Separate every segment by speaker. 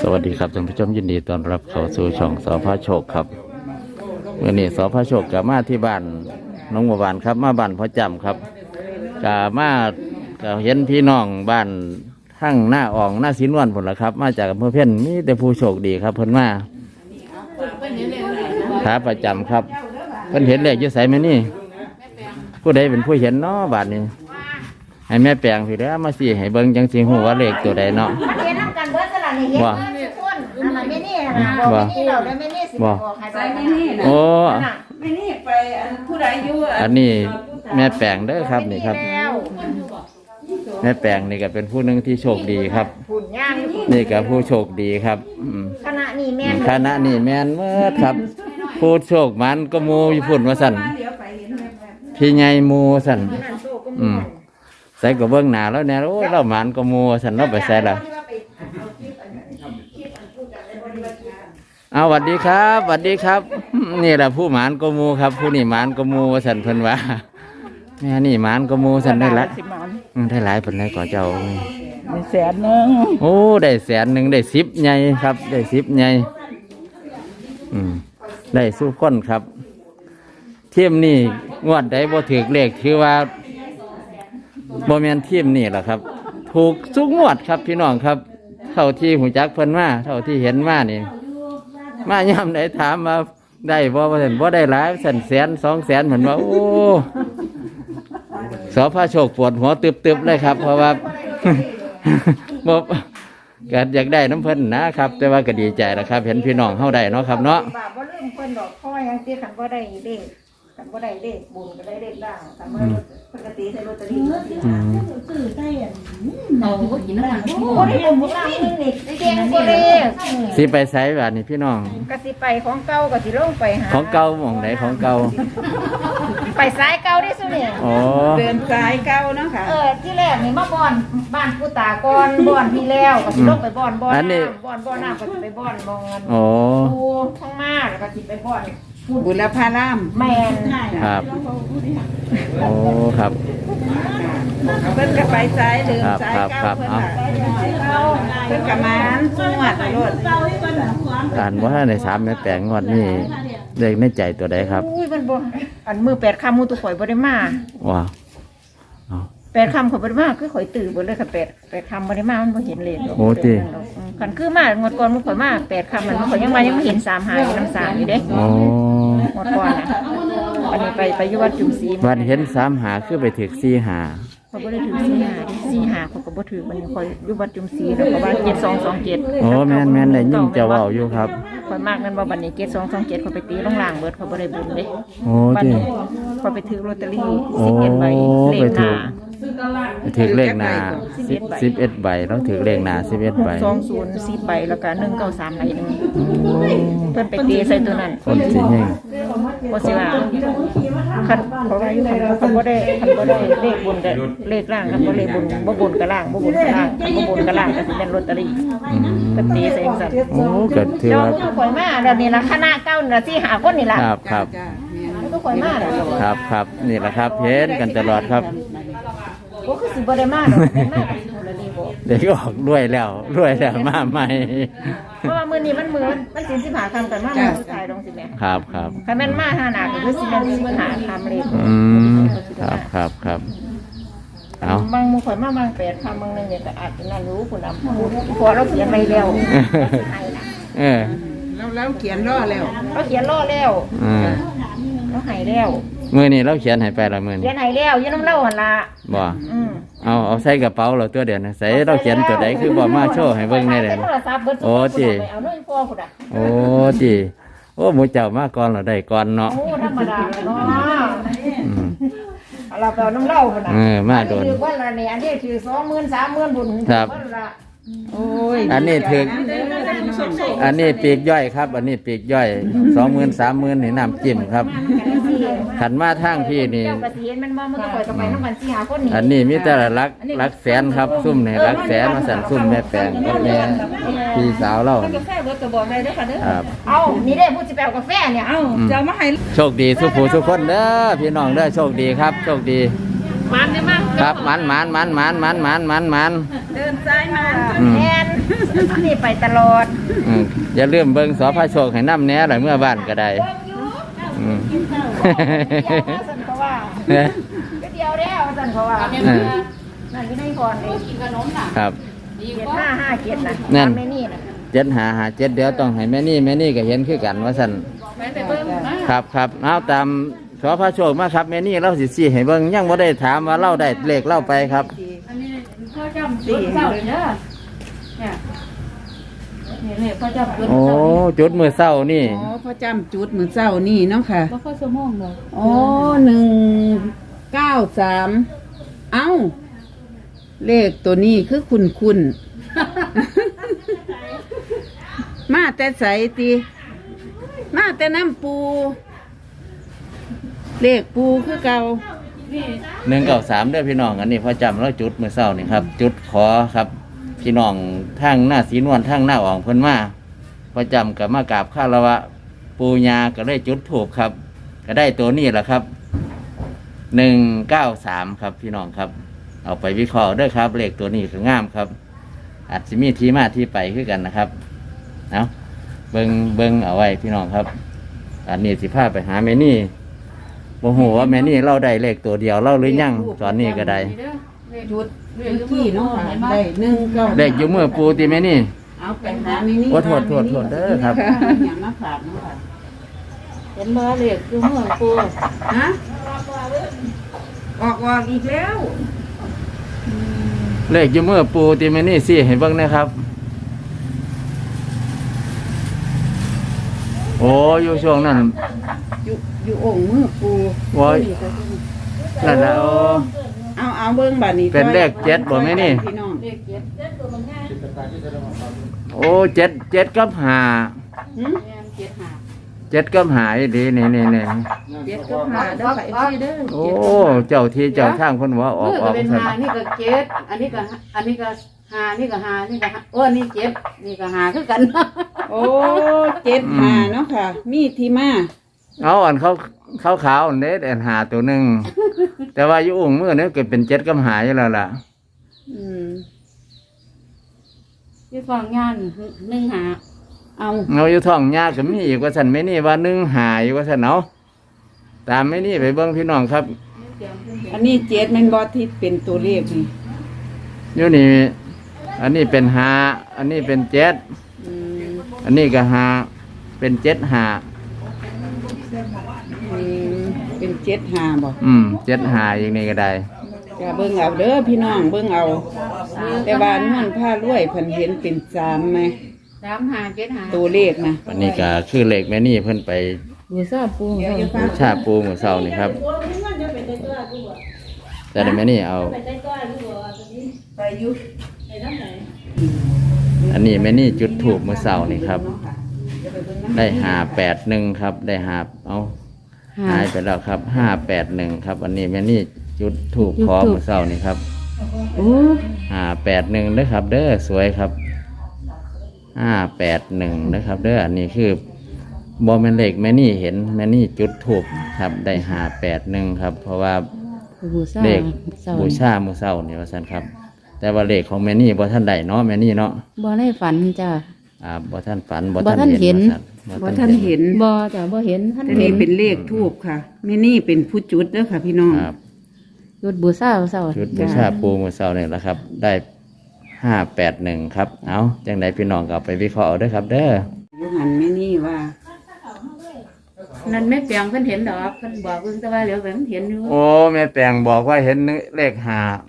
Speaker 1: สวัสดีครับท่านผู้ชมยินดีต้อนรับเข้าสู่ช่องสพโชคครับเมื่อนี้สพโชคกลับมาที่บ้านน้องบัวบานครับมาบ้านพ่อจำครับกลับมาก็เห็นพี่น้องบ้านทั้งหน้าอ่องหน้าสินวันผลละครับมาจากอำเภอเพี้ยนมีแต่ผู้โชคดีครับเพิ่นมาขาประจำครับเพิ่นเห็นเลขอยู่ไสแม่นี่ผู้ใดเป็นผู้เห็นเนาะบ้านนี้ให้แม่แปลงพี่เด้อมาสิให้เบิ่งจังสิฮู้ว่าเลขตัวใดเนาะว่าว่าโอ้ไม่นี่ไปผู้ใดอยู่อันนี้แม่แปลงเด้อครับนี่ครับแม่แปลงนี่ก็เป็นผู้หนึ่งที่โชคดีครับนี่ก็ผู้โชคดีครับคณะนี่แม่นเมื่อครับผู้โชคมันก็มูอยู่พุ่นว่าสั่นพี่ใหญ่มูสั่นใส่กับเบื้องหน้าแล้วเนี่ยโอ้เรามันก็มูสั่นเราไปใส่ละเอาสวัสดีครับสวัสดีครับนี่แหละผู้หมานกมูครับผู้นี่หมานกมูสันเพิ่นว่าแม่นี่หมานกมูสันได้ละได้หลายเพิ่นได้ก่อเจ้า
Speaker 2: ได้100,000โอ้
Speaker 1: ได้100,000ได้10ใหญ่ครับได้10ใหญ่ได้สู้คนครับเทียมนี่งวดได้บ่ถือเลขคือว่าบ่แม่นเทียมนี่แหละครับถูกทุกงวดครับพี่น้องครับเท่าที่หูจักเพิ่นมาเท่าที่เห็นมานี่มาย่ำได้ถามมาได้บ่ว่าเห็นบ่ได้หลาย100,000 200,000เหมือนว่าโอ้สพโชคปวดหัวตึบๆเลยครับเพราะว่าบ่ก็อยากได้น้ำเพิ่นนะครับแต่ว่าก็ดีใจนะครับเห็นพี่น้องเฮาได้เนาะครับเนาะ
Speaker 2: บ่ลืมเพิ่นดอกพ่อยังสิคันบ่ได้เลขคันบ่ได้เลขบุญก็ได้เลขล่างคันบ่ปกติใส่ลอตเตอรี่ซื้อได้เอาบ่กินน้ำมันบ่ได้บุญล่างนี่เก่งบ่ได้
Speaker 1: สิไปไสบาดนี้พี่น้อง
Speaker 2: ก็สิไปของเก่าก็สิลงไปหา
Speaker 1: ของเก่าหม่องไหนของเก่า
Speaker 2: ไปสายเก่าได้ซุเนี่ยเดินสายเก่าเนาะค่ะที่แรกนี่มาบ้านผู้ตาก่อนบ้านที่แล้วก็สิลงไปบ้านน้ำก็สิไปบ้านเงินดูข้างมาแล้วก็สิไปบ้านบุรพารามแม่น
Speaker 1: ครับโอ้ครับ
Speaker 2: เพิ่นก็ไปสายเดินสายเก่าเพิ่นก็มาสวดรถ
Speaker 1: การว่าใน3แม่แปลงงวดนี้เลขในใจตัวใดครับ
Speaker 2: อุ้ยมันบ่อันมือ8ค่ำมูตัวข่อยบ่ได้มา
Speaker 1: ว้า
Speaker 2: 8ค่ำข่อยบ่ได้มาคือข่อยตื่นบ่เลยค่ะ8ค่ำบ่ได้มามันบ่เห็นเลข
Speaker 1: โอ้ติ
Speaker 2: คันคือมางวดก่อนมันข่อยมา8ค่ำมันข่อยยังมายังไม่เห็น35อยู่น้ำ3อยู่เด้
Speaker 1: โอ้
Speaker 2: งวดก่อนน่ะอันนี้ไปอยู่วัดจุมศรี
Speaker 1: วันเห็น35คือไปถึก45
Speaker 2: เขาบ่ได้ถือ45เขาก็บ่ถือมันคอยอยู่วัดจุมศรีแล้วก็ว่า7227
Speaker 1: โอ้แม่นได้ยินเจ้าเว้าอยู่ครับ
Speaker 2: ข่อยมากนั่นบ่บัดนี้7227เขาไปตีลงล่างเบิดเขาบ่ได้บุญเด้
Speaker 1: โอ้ติ
Speaker 2: เขาไปถือลอตเตอรี่11ใบเลขหน้า
Speaker 1: ถือเลขหน้า11ใบแล้วถือเลขหน้า11ใบ
Speaker 2: 2010ใบแล้วก็193ใบนึงเพิ่นไปตีใส่ตัวนั้น
Speaker 1: คนสิแฮง
Speaker 2: บ่สิว่าคันเพราะว่าอยู่คันบ่ได้เลขบุญก็เลขล่างคันบ่เลขบุญบ่บุญก็ล่างบ่บุญก็ล่างบ่บุญก็ล่างก็สิเป็นลอตเตอรี่เพิ่นตีใส่จังซั่น
Speaker 1: โอ้ก็ถือว่า
Speaker 2: ข่อยมาแล้วนี่ล่ะคณะเก่านี่ล่ะสิหาคนนี่ล่ะ
Speaker 1: ครับ
Speaker 2: ก็ข่อยมาแล้ว
Speaker 1: ครับนี่แหละครับเห็นกันตลอดครับ
Speaker 2: โอ้คือสิบ่ได้มาดอกได้มาก็สิฮู้แล้วนี่บ่
Speaker 1: เด็กออกรวยแล้วมาใหม่
Speaker 2: เพราะว่ามื้อนี้มันสิ15ค่ำกันมามื้อสุดท้ายดองสิแม่
Speaker 1: ครับ
Speaker 2: คันแม่นมาหาหน้าก็คือสิแม่น15ค่ำเลย
Speaker 1: ครับเอา
Speaker 2: บางมื้อข่อยมาบาง8ค่ำบางนึงเนี่ยก็อาจจะนั่นรู้พุ่นน่ะพอเราเขียนไว้แล้ว
Speaker 3: แล้วเขียนรอแล้ว
Speaker 2: เราเขียนรอแล้วเราให้แล้ว
Speaker 1: มื้อนี้เราเขียนให้ไปละมื้อนี้
Speaker 2: เขียนให้แล้วอยู่นำเราหั่นล่ะ
Speaker 1: บ่เอาใส่กระเป๋าเราตัวเดียวนะใส่เราเขียนตัวใดคือบ่มาโชว์ให้เบิ่งได้เด้โอ้ติโอ้ติโอ้หมู่เจ้ามาก่อนเราได้ก่อนเนาะ
Speaker 2: โอ้ธรรมดาเนาะเราไปเอาน้ำเล่าพุ่นน่ะ
Speaker 1: มาโดน
Speaker 2: คือว่าละนี่อันนี้ถือ 20,000 30,000บุญ
Speaker 1: ครับ
Speaker 2: โอ้ย
Speaker 1: อันนี้ถึงอันนี้ปีกย่อยครับอันนี้ปีกย่อย 20,000 30,000นี่น้ำจิ้มครับขันมาทางพี่นี่อันนี้มีแต่รักแสนครับซุ่มนี่รักแสนมาสั่นซุ่มแม่แปลงกับแม่พี่สาวเรา
Speaker 2: ครับเอานี่ได้พูดสิแปลกาแฟเนี่ยเอาจะมาให้
Speaker 1: โชคดีสุขผู้สุขคนเด้อพี่น้องเด้อโชคดีครับโชคดี
Speaker 2: มันได้มั้ง
Speaker 1: ครับมัน
Speaker 2: เดินซ้ายมาแทนนี่ไปตลอด
Speaker 1: อย่าลืมเบิ่งสพโชคให้น้ำแหน่หลายเมื่อบ้านก็ได้
Speaker 2: สันเขาว่าก็เดียวแล้วสันเขาว่านั่นก็ได้ก่อนเลยกินขนมน่ะ
Speaker 1: ครับ
Speaker 2: 7557น่ะแม่นี่น่ะ
Speaker 1: 7557เดี๋ยวต้องให้แม่นี่ก็เห็นคือกันว่าซั่นครับเอาตามสพโชคมาครับแม่นี่เราสิชี้ให้เบิ่งยังบ่ได้ถามว่าเราได้เลขเล่าไปครับ
Speaker 2: อันนี้พ่อจำ4เศร้าเลยเด้อเนี่ยนี่พ่อจำจุด
Speaker 1: โอ้จุดมือเศร้านี่
Speaker 3: อ๋อพ่อจำจุดมือเศร้านี่เนาะค่ะ
Speaker 2: บ่ค่อยชั่วโมงเลย
Speaker 3: อ๋อ193เอ้าเลขตัวนี้คือคุณมาแต่ใสติมาแต่น้ำปูเลขปูคือเก่า
Speaker 1: 193เด้อพี่น้องอันนี้พอจำแล้วจุดมือเศร้านี่ครับจุดขอครับพี่น้องทางหน้าสีนวลทางหน้าอ่องเพิ่นมาพอจำกับมากราบข้าละวะปูญาก็ได้จุดถูกครับก็ได้ตัวนี้แหละครับ193ครับพี่น้องครับเอาไปวิเคราะห์ด้วยครับเลขตัวนี้ก็งามครับอาจจะมีที่มาที่ไปขึ้นกันนะครับเอาเบิงเอาไว้พี่น้องครับอันนี้สิพาไปหาแม่นี่โอ้โหว่าแม่นี่เราได้เลขตัวเดียวเราหรือยังตอนนี้ก็ได้
Speaker 3: จุดที่เนาะค่ะได้193
Speaker 1: เลขอยู่มือปูตีแม่นี่
Speaker 3: เอาไปหาแม่นี่
Speaker 1: โทษเด้อครับ
Speaker 3: อย่างมาฝากเนาะค่ะ
Speaker 2: เห็นบ่เลขอยู่มือปู
Speaker 3: ฮะออกอีกแล้ว
Speaker 1: เลขอยู่มือปูตีแม่นี่สิให้เบิ่งนะครับโอ้อยู่ช่วงนั้น
Speaker 3: อยู่องค์มือปู
Speaker 1: ว้ายนั่นแหละ
Speaker 3: เอาเบิ่งบัดนี้
Speaker 1: เป็นเลข7บ่แม่นี่
Speaker 2: เลข7ตัวมันง่าย
Speaker 1: โอ้7กับ5 7กับ5ดีนี่
Speaker 3: 7กับ5เด้อค่ะพี่เด้อ
Speaker 1: โอ้เจ้าที่เจ้าทางเพิ่นว่าออก
Speaker 2: เป็น5นี่ก็7อันนี้ก็5นี่ก็5นี่ก็โอ้นี่7นี่ก็5คือกัน
Speaker 3: โอ้75เนาะค่ะมีที่มา
Speaker 1: เอาอันเขาขาวเน็ตหาตัวหนึ่งแต่ว่าอยู่องค์มือเนี่ยเกิดเป็น7กับ5อยู่แล้วล่ะ
Speaker 2: อยู่ฟังงาน1 หา
Speaker 1: เอาอยู่ท้องยาก็มีอีกว่าสันไม่นี่ว่า1 หาอยู่ว่าสันเอาตามไม่นี่ไปเบิ่งพี่น้องครับ
Speaker 3: อันนี้7แม่นบ่ที่เป็นตัวเลขนี่
Speaker 1: อยู่นี่อันนี้เป็น5อันนี้เป็น7อันนี้ก็5เป็น7 5
Speaker 3: เป็น75บ่
Speaker 1: 7 5อย่างนี้ก็ได้
Speaker 3: จะเบิ่งเอาเด้อพี่น้องเบิ่งเอาแต่ว่านวลผ้ารวยเพิ่นเห็นเป็น3มั้ย
Speaker 2: 3 5 7 5
Speaker 3: ตัวเลขนะ
Speaker 1: อันนี้ก็คือเลขแม่นี่เพิ่นไป
Speaker 2: บูชาปู
Speaker 1: มื้อเช้านี่ครับแต่แม่นี่เอา
Speaker 3: ไปอยู่
Speaker 1: อันนี้แม่นี่จุดธูปมื้อเช้านี่ครับได้581ครับได้เอาหายไปแล้วครับ581ครับอันนี้แม่นี่จุดธูปขอมื้อเช้านี่ครับ581เด้อครับเด้อสวยครับ581นะครับเด้ออันนี้คือบ่แม่นเลขแม่นี่เห็นแม่นี่จุดธูปครับได้581ครับเพราะว่าเลขบูชามื้อเช้านี่ว่าซั่นครับแต่ว่าเลขของแม่นี่บ่ทันได้เนาะแม่นี่เนาะ
Speaker 2: บ่ได้ฝันจ้ะ
Speaker 1: บ่ทันฝันบ่ทันเห็น
Speaker 3: บ่ทันเห็น
Speaker 2: บ่จ้ะบ่เห็นท่าน
Speaker 3: เห็นเป็นเลขธูปค่ะแม่นี่เป็นผู้จุดเด้อค่ะพี่น้อง
Speaker 2: จุดบูชามื้อเช้า
Speaker 1: จุดบูชาปูมื้อเช้านี่แหละครับได้581ครับเอาจังได๋พี่น้องก็ไปวิเคราะห์เอาเด้อครับเด้อ
Speaker 3: อยู่หันแม่นี่ว่า
Speaker 2: นั่นแม่แปลงเพิ่นเห็นดอกเพิ่นบอกเพิ่นแต่ว่าเหลียวไปมันเห็นอยู่
Speaker 1: โอ้แม่แปลงบอกว่าเห็นเลข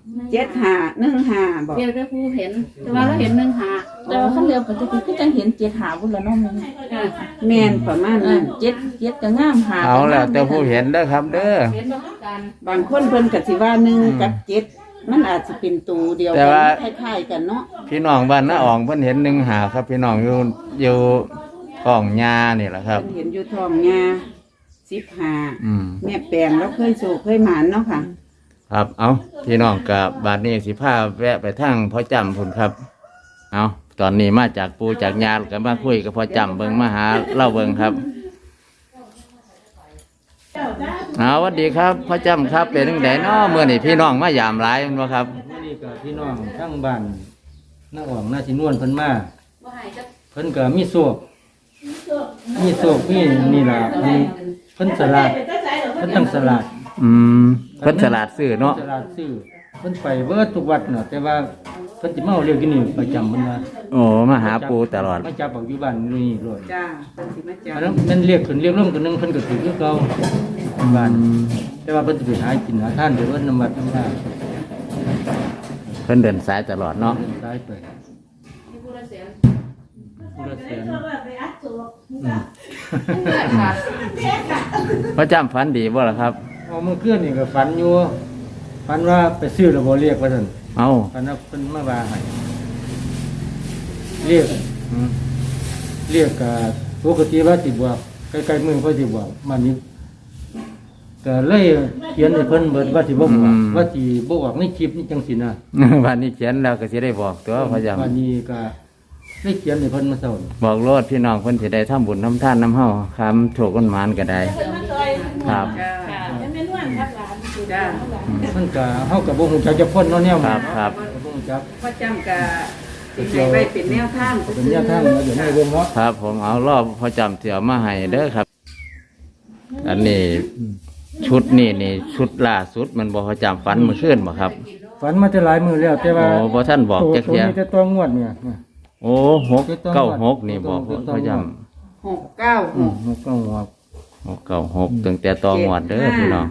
Speaker 3: 7515บอก
Speaker 2: เดี๋ยวได้ผู้เห็นแต่ว่าเราเห็น1
Speaker 4: แต่ว่าคันเรียวปกติคือจังเห็น7 5พุ่นละเนาะ
Speaker 3: แม่นประมาณนั้น
Speaker 4: 7ก็งามหา
Speaker 1: เอาแล้วแต่ผู้เห็นเด้อครับเด้อ
Speaker 2: เห็นบ่กัน
Speaker 3: บางคนเพิ่นก็สิว่า1กับ7มันอาจจะเป็นตัวเดียวกันคล้ายๆกันเนาะ
Speaker 1: พี่น้องบ้านน้าอ่องเพิ่นเห็น1 5ครับพี่น้องอยู่ท้องหญ้านี่แหละครับ
Speaker 3: เห็นอยู่ท้องหญ้า15แม่แปลงแล้วเคยโศกเคยหมานเนาะค่ะ
Speaker 1: ครับเอาพี่น้องกับบาดนี้สิพาแวะไปทางพ่อจำพุ่นครับเอาตอนนี้มาจากปูจากยากันมาคุยกับพ่อจำเบิ่งมาหาเล่าเบิ่งครับสวัสดีครับพ่อจำครับเป็นจังไดเนาะมื้อนี้พี่น้องมายามหลายแม่นบ่ครับ
Speaker 5: นี่ก็พี่น้องทั้งบ้านน้าอ่องน้าสินวลเพิ่นมาเพิ่นก็มีโศกมีนี่ล่ะเพิ่นสลัดเพิ่นตั้งสลัด
Speaker 1: อืมเพิ่นฉลาดซื้อเนาะ
Speaker 5: สลัดซื้อเพิ่นไปเบิดทุกวัดน่ะแต่ว่าเพิ่นสิมาเอาเรียกที่นี่ประจำเพิ่นว่า
Speaker 1: โอ้มาหาปูตลอด
Speaker 5: มาจับปักอยู่บ้านนี่เลย
Speaker 3: จ้าเพิ่นสิมาจ้า
Speaker 5: อันนั้นมันเรียกขึ้นเรียกลงตัวหนึงเพิ่นก็ถือคือเก่าบ้านแต่ว่าเพิ่นสิไปหากินหาทานไปเบิดน้ำวัดน้ำท่า
Speaker 1: เพิ่นเดินสายตลอดเนาะ
Speaker 5: ตายไปผู้ละแสนอืม
Speaker 1: พ่อจำฝันดีบ่ล่ะครับ
Speaker 5: เอาเมื่อคืนนี่ก็ฝันอยู่ฝันว่าไปซื้อแล้วบ่เรียกว่าซั่น
Speaker 1: เอา
Speaker 5: ฝันว่าเพิ่นมาว่าให้เรียกเรียกก็ปกติว่าสิบอกใกล้ๆมือเพิ่นสิบอกมันนี้ก็เลยเขียนให้เพิ่นเบิดว่าสิบ่บอกว่าสิบ่บอกในคลิปนี่จังซี่นะ
Speaker 1: วันนี้เขียนแล้วก็สิได้บอกตัวพ่อจำ
Speaker 5: วันนี้ก็ได้เขียนให้เพิ่นมาเซา
Speaker 1: บอกโลดพี่น้องเพิ่นสิได้ทำบุญทำทานน้ำเฮาคำโชคกันหมานก็ได้ครับ
Speaker 3: จ้า
Speaker 5: เพิ่นก็เฮาก็บ่ฮู้จักจะพ้นเนาะแนว
Speaker 1: ครับครับ
Speaker 5: บ่ฮู้จัก
Speaker 3: พ่อจำกะสิให้ไปเป็นแนวทาง
Speaker 5: เป็นแนวทางเดี๋ยวให้เบิ่งเนาะ
Speaker 1: ครับผมเอารอบพ่อจำเสียวมาให้เด้อครับ อันนี้ชุดนี่ชุดล่าสุดมันบ่พ่อจำฝันเมื่อคืนบ่ครับ
Speaker 5: ฝันมาจะหลายมื้อแล้วแต่ว่า
Speaker 1: โอ้บ่ท่านบอกจัก
Speaker 5: ตัว
Speaker 1: เที่ย
Speaker 5: นี้จะตัวงวดเนี่ย
Speaker 1: โอ้หกเก้าหกนี่บอกพ่อจ
Speaker 3: 696
Speaker 5: มันก็งวด
Speaker 1: ำหกเก้าหกตั้งแต่ตองวดเด้อพี่น้อง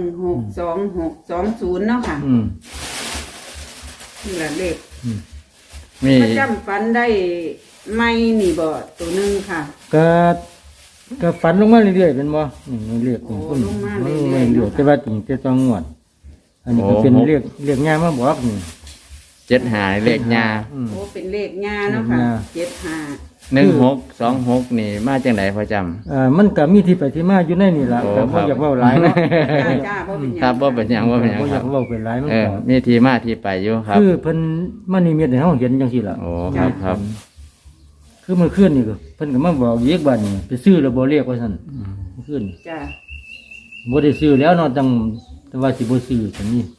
Speaker 3: 162620เนาะค่ะ
Speaker 5: อืม
Speaker 3: นี่ล่ะเลข
Speaker 1: มี
Speaker 3: พ่อจำฝันได้ไม่นี่บ่ตัวหนึงค่ะ
Speaker 5: ก็ฝันลงมาเรื่อยๆเป็นบ่นี่เรียกนี่
Speaker 3: โอ้ลงมาเรื่อยๆ
Speaker 5: เรื่อยๆแต่ว่าจริงจะต้องงวด อันนี้ก็เป็นเรียกง่ายมาบอกนี่
Speaker 1: เจ็ดหาเลขยา
Speaker 5: อืม
Speaker 3: โอ้เป็นเลขงาเนาะค่ะ
Speaker 5: เลขงา
Speaker 3: 75
Speaker 1: 1626นี่มาจังไหนพ่อจ
Speaker 5: มันก็มีที่ไปที่มาอยู่ในนี่ล่ะ
Speaker 1: โอ้
Speaker 5: แต่
Speaker 1: ครั
Speaker 5: บ่
Speaker 1: บ
Speaker 5: อยากเว้าหลายเนาะ
Speaker 3: จ้าบ่เป็นห
Speaker 1: ำค
Speaker 3: ยั
Speaker 1: รับ
Speaker 3: ง
Speaker 1: ว่าเป็นหยังว่าเป็นหยัง
Speaker 5: บ่อ
Speaker 1: ค
Speaker 5: ยา
Speaker 1: รับ
Speaker 5: กเว้าเป็นหลายมัน
Speaker 1: เออ
Speaker 5: ก็
Speaker 1: มีที่มาที่ไปอยู่ครับ
Speaker 5: คือเพิ่นมานิมิตให้เฮาเห็นจังซี่ล่ะ
Speaker 1: โอ้ครับครับ
Speaker 5: คือเมื่อคืนนี่ก็เพิ่นก็มาบอกอีกบัดนี้ไปซื้อแล้วบ่เรียกว่าซั่นเมื่อคืน
Speaker 3: จ้า
Speaker 5: บ่ได้ซื้อแล้วเนาะแต่ว่าสิบ่ซื้อจังนี้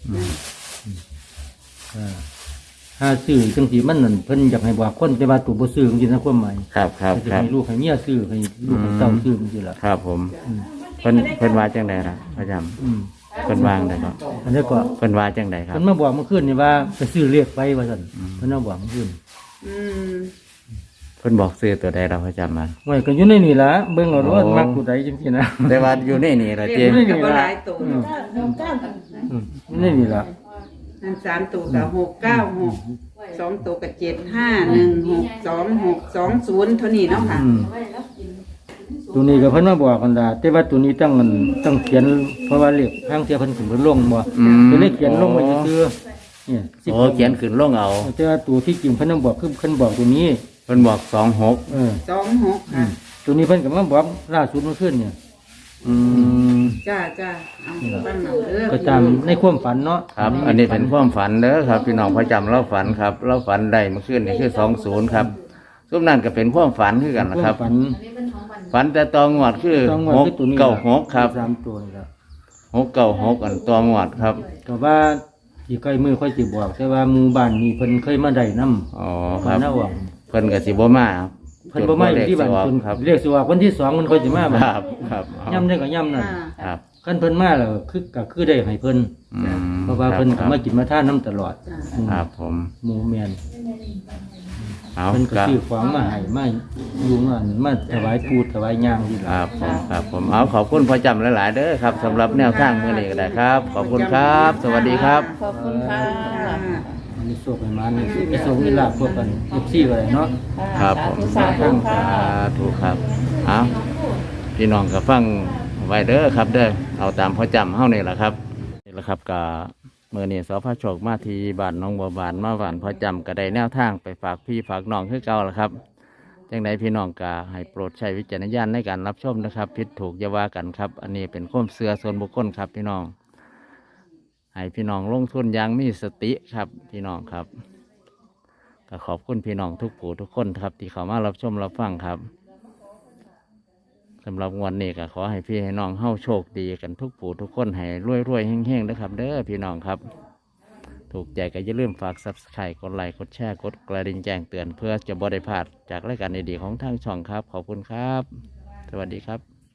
Speaker 5: ถ้าซื้อจังสิมันนั่นเพิ่นอยากให้บอกคนแต่ว่าตัวบ่ซื้อจังซี่นะความหมาย
Speaker 1: ครับครับ
Speaker 5: จะ
Speaker 1: ครับ
Speaker 5: ให้ลูกให้เมียซื้อให้ลูกให้เต้าซื้อจังซี่ล่ะ
Speaker 1: ครับผมเพิ่นว่าจังไดล่ะพ่อจ
Speaker 5: อืม
Speaker 1: ำเพิ่นวางได้ครับ
Speaker 5: อันนี้ก็
Speaker 1: เพิ่นว่าจังไดครับ
Speaker 5: เพิ่นมาบอกเมื่อคืนนี่ว่าไปซื้อเรียกไปว่าซั่นเพิ่นมาบอกเมื่อคืน
Speaker 3: อืม
Speaker 1: เพิ่นบอกซื้อตัวใดเราพ่อจำมา
Speaker 5: ไว้ก็อยู่ในนี่ล่ะเบิ่งเอาว่า
Speaker 1: โอ้
Speaker 5: มักผู้ใดจังซี่นะ
Speaker 1: แต่ว่าอยู่ในนี่ล่ะ
Speaker 3: เล
Speaker 1: เจ๊
Speaker 3: ขมันก็บ่หลายตัว
Speaker 5: อืม
Speaker 3: เนาะ
Speaker 5: อยู่ในนี่ล่ะ
Speaker 3: นั่น3ตัวก็696 2ตัวก็75162620เท่านี้เนาะค่ะ
Speaker 5: อืมตัวนี้ก็เพิ่นมาบอกกันดาแต่ว่าตัวนี้ต้องเขียนเพราะว่าเลขทางเสียเพิ่นขึ้นเพิ่นลงบ่
Speaker 1: อืม
Speaker 5: ตัวเลขเขียนลงไว้ซื่อๆเนี่ย
Speaker 1: โอ้เขียนขึ้นลงเอา
Speaker 5: แต่ว่าตัวที่จริงเพิ่นต้องบอกคือเพิ่นบอกตัวนี้
Speaker 1: เพิ่นบอก26
Speaker 5: เออ
Speaker 3: 26ค่ะ
Speaker 5: ตัวนี้เพิ่นก็มาบอกล่าสุดเมื่อคืนเนี่ย
Speaker 1: อืม
Speaker 3: จ้าจ้าเอาฟังเอาเด้อ
Speaker 5: ก็ตามในความฝันเนาะ
Speaker 1: ครับ อันนี้เป็นความฝันเด้อครับ พี่น้องพ่อจำเราฝันครับ เราฝันได้เมื่อคืนนี่คือ20ครับซุมนั้นก็เป็นความฝันคือกันนะครับ
Speaker 5: ฝัน
Speaker 1: ฝันแต่ตองวดคือ
Speaker 5: ต้องว่าคือตัวนี้
Speaker 1: 696ครับ
Speaker 5: สามตัวนี่ล่ะ
Speaker 1: 696อันตองวดครับ
Speaker 5: ก็ว่าสิใกล้มือค่อยสิบอกแต่ว่าหมู่บ้านนี้เพิ่นเคยมาได้นำ
Speaker 1: อ๋อค
Speaker 5: บ้า
Speaker 1: รั
Speaker 5: น
Speaker 1: บ
Speaker 5: หน้าหวัง
Speaker 1: เพิ่นก็สิบ่มาครับ
Speaker 5: เพิ่นบ่มาอยู่ที่บ้าน
Speaker 1: จ
Speaker 5: เพิ่น
Speaker 1: ครับ
Speaker 5: เรียกสิว่าวันที่2มันค่อยสิมา
Speaker 1: ค
Speaker 5: บัด
Speaker 1: รับครับเอา
Speaker 5: ย่ำได้ก็ย่ำนั่น
Speaker 1: ครับ
Speaker 5: คันเพิ่นมาแล้วคือได้ให้เพิ่น
Speaker 1: อืม
Speaker 5: เพราะว่าเพิ่น
Speaker 1: ค
Speaker 5: ก็
Speaker 1: รับ
Speaker 5: มากินมาทานน้ำตลอด
Speaker 1: ครับผม
Speaker 5: หมู่แม่น
Speaker 1: เอา
Speaker 5: เพิ่นก็
Speaker 1: ครับ
Speaker 5: ซื้อของมาให้มาอยู่มาถวายปูถวายย่างที่
Speaker 1: ค
Speaker 5: ล่ะ
Speaker 1: รับผมครับผมเอาขอบคุณพ่อจำหลายๆเด้อครับสำหรับแนวทางมื้อนี้ก็ได้ครับ ขอบคุณครับ สวัสดีครับ
Speaker 4: ขอบคุณค่ะ
Speaker 5: มีโชคให้มานี่มีโชคมีลาภพวกกัน14ก็ได้เนาะ
Speaker 1: ครับผม
Speaker 4: สาธุค่ะ
Speaker 1: ถูกครับเอาพี่น้องก็ฟังไว้เด้อครับ เด้อเอาตามพ่อจำเฮานี่แหละครับนี่แหละครับก็มื้อนี้สพโชคมาที่บ้านหน้องบัวบานมาบ้านพ่อจำก็ได้แนวทางไปฝากพี่ฝากน้องคือเก่าละครับจังใดพี่น้องก็ให้โปรดใช้วิจารณญาณในการรับชมนะครับผิดถูกอย่าว่ากันครับ อันนี้เป็นความเชื่อส่วนบุคคลครับ พี่น้องให้พี่น้องลงทุนอย่างมีสติครับ พี่น้องครับก็ขอบคุณพี่น้องทุกผู้ทุกคนครับ ที่เข้ามารับชมรับฟังครับ ก็ำหรับงวดนี้ก็ขอให้พี่ให้น้องเฮาโชคดีกันทุกผู้ทุกคนให้รวยๆแห้งๆนะครับเด้อพี่น้องครับ ถูกใจก็อย่าลืมฝาก Subscribe กดไลค์กดแชร์กดกระดิ่งแจ้งเตือนเพื่อจะบ่ได้พลาดจากรายการดีๆของทางช่องครับขอบคุณครับ สวัสดีครับ